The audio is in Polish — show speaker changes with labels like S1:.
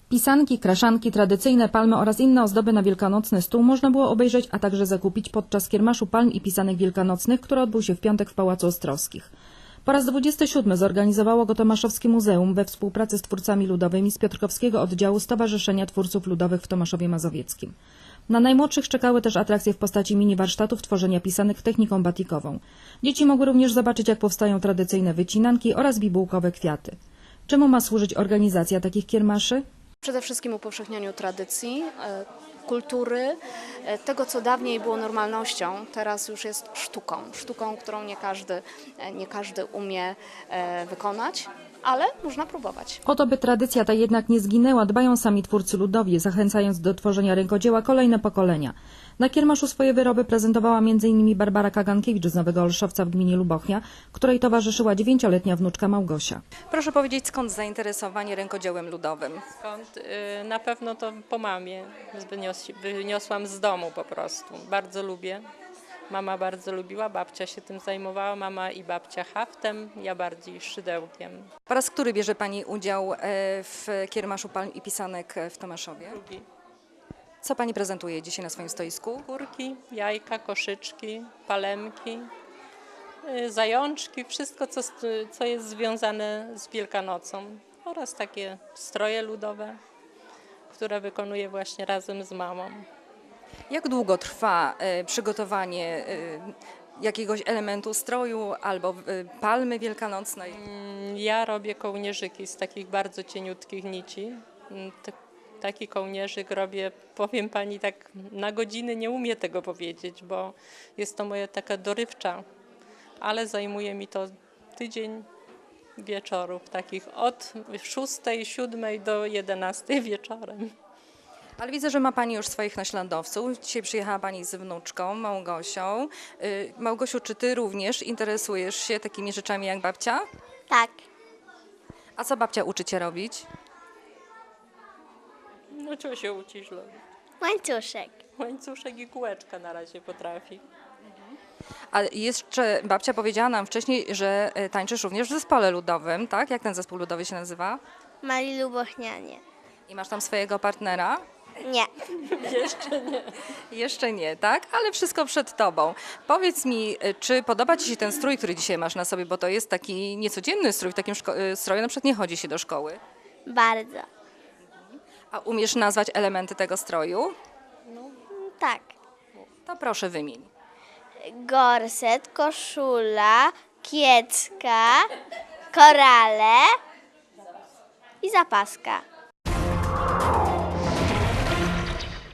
S1: Pisanki, kraszanki, tradycyjne palmy oraz inne ozdoby na wielkanocny stół można było obejrzeć, a także zakupić podczas Kiermaszu Palm i Pisanek Wielkanocnych, który odbył się w piątek w Pałacu Ostrowskich. Po raz 27 zorganizowało go Tomaszowskie Muzeum we współpracy z twórcami ludowymi z Piotrkowskiego Oddziału Stowarzyszenia Twórców Ludowych w Tomaszowie Mazowieckim. Na najmłodszych czekały też atrakcje w postaci mini warsztatów tworzenia pisanek techniką batikową. Dzieci mogły również zobaczyć, jak powstają tradycyjne wycinanki oraz bibułkowe kwiaty. Czemu ma służyć organizacja takich kiermaszy?
S2: Przede wszystkim upowszechnianiu tradycji, kultury, tego co dawniej było normalnością, teraz już jest sztuką, którą nie każdy umie wykonać, ale można próbować.
S1: O to, by tradycja ta jednak nie zginęła, dbają sami twórcy ludowi, zachęcając do tworzenia rękodzieła kolejne pokolenia. Na kiermaszu swoje wyroby prezentowała m.in. Barbara Kagankiewicz z Nowego Olszowca w gminie Lubochnia, której towarzyszyła 9-letnia wnuczka Małgosia.
S3: Proszę powiedzieć, skąd zainteresowanie rękodziełem ludowym?
S4: Skąd? Na pewno to po mamie wyniosłam z domu po prostu. Bardzo lubię. Mama bardzo lubiła, babcia się tym zajmowała, mama i babcia haftem, ja bardziej szydełkiem.
S3: Po raz który bierze Pani udział w Kiermaszu Palm i Pisanek w Tomaszowie?
S4: Drugi.
S3: Co Pani prezentuje dzisiaj na swoim stoisku?
S4: Kurki, jajka, koszyczki, palemki, zajączki, wszystko co jest związane z Wielkanocą oraz takie stroje ludowe, które wykonuję właśnie razem z mamą.
S3: Jak długo trwa przygotowanie jakiegoś elementu stroju albo palmy wielkanocnej?
S4: Ja robię kołnierzyki z takich bardzo cieniutkich nici. Taki kołnierzyk robię, powiem Pani, tak na godziny nie umiem tego powiedzieć, bo jest to moja taka dorywcza, ale zajmuje mi to tydzień wieczorów, takich od 6, 7 do 11 wieczorem.
S3: Ale widzę, że ma Pani już swoich naśladowców. Dzisiaj przyjechała Pani z wnuczką, Małgosią. Małgosiu, czy Ty również interesujesz się takimi rzeczami jak babcia?
S5: Tak,
S3: A co babcia uczy Cię robić?
S4: No czego się uczysz robić?
S5: łańcuszek.
S4: Łańcuszek i kółeczka na razie potrafi.
S3: A jeszcze babcia powiedziała nam wcześniej, że tańczysz również w zespole ludowym, tak? Jak ten zespół ludowy się nazywa?
S5: Mali Lubochnianie.
S3: I masz tam swojego partnera?
S5: Nie.
S3: Jeszcze nie, tak? Ale wszystko przed Tobą. Powiedz mi, czy podoba Ci się ten strój, który dzisiaj masz na sobie, bo to jest taki niecodzienny strój, w takim stroju na przykład nie chodzi się do szkoły.
S5: Bardzo.
S3: A umiesz nazwać elementy tego stroju?
S5: Tak.
S3: To proszę wymień.
S5: Gorset, koszula, kiecka, korale i zapaska.